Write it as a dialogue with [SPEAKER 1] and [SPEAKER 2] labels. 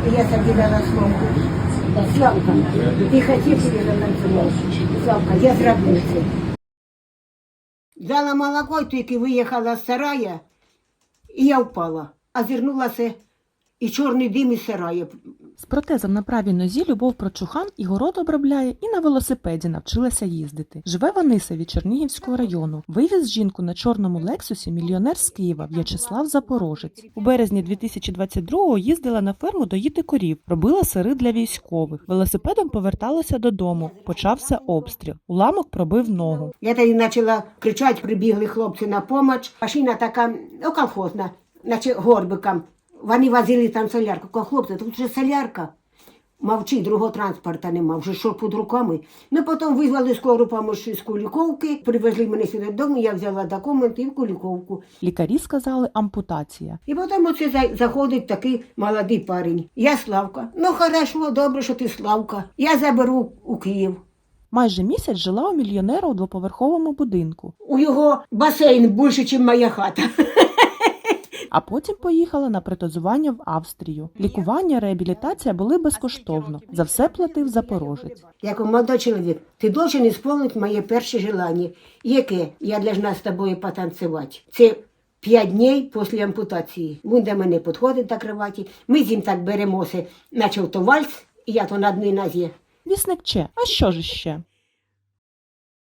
[SPEAKER 1] Я тобі дала Славку. Славка, ти хотів, щоб я затанцював? Славка, я зроблю це. Дала молоко, тільки виїхала з сарая, і я впала. А зірнулася і чорний дим із сараю.
[SPEAKER 2] З протезом на правій нозі Любов Прочухан і город обробляє, і на велосипеді навчилася їздити. Живе в Анисові Чернігівського району. Вивіз жінку на чорному Лексусі мільйонер з Києва В'ячеслав Запорожець. У березні 2022-го їздила на ферму доїти корів, робила сири для військових. Велосипедом поверталася додому. Почався обстріл. Уламок пробив ногу.
[SPEAKER 1] Я тоді почала кричати, прибігли хлопці на допомогу. Машина така, колхозна, наче горбиком. Вони возили там солярку. Кажу, хлопці, тут же солярка. Мовчи, другого транспорту нема, вже що під руками. Ну, потім визвали скору допомогу з Куліковки, привезли мене сюди додому, я взяла документи і в Куліковку.
[SPEAKER 2] Лікарі сказали ампутація.
[SPEAKER 1] І потім оце заходить такий молодий парень. Я Славка. Ну, хорошо, добре, що ти Славка. Я заберу у Київ.
[SPEAKER 2] Майже місяць жила у мільйонера у двоповерховому будинку.
[SPEAKER 1] У його басейн більше, ніж моя хата.
[SPEAKER 2] А потім поїхала на протезування в Австрію. Лікування, реабілітація були безкоштовно. За все платив Запорожець.
[SPEAKER 1] Я кажу, молодой чоловік, ти должен виконати моє перше желання. Яке? Я должна з тобою потанцювати. Це 5 днів після ампутації. Він до мене підходить до кроваті, ми з ним так беремося, наче то вальс, і я то на одній нозі.
[SPEAKER 2] Вісник Че, а що ж ще?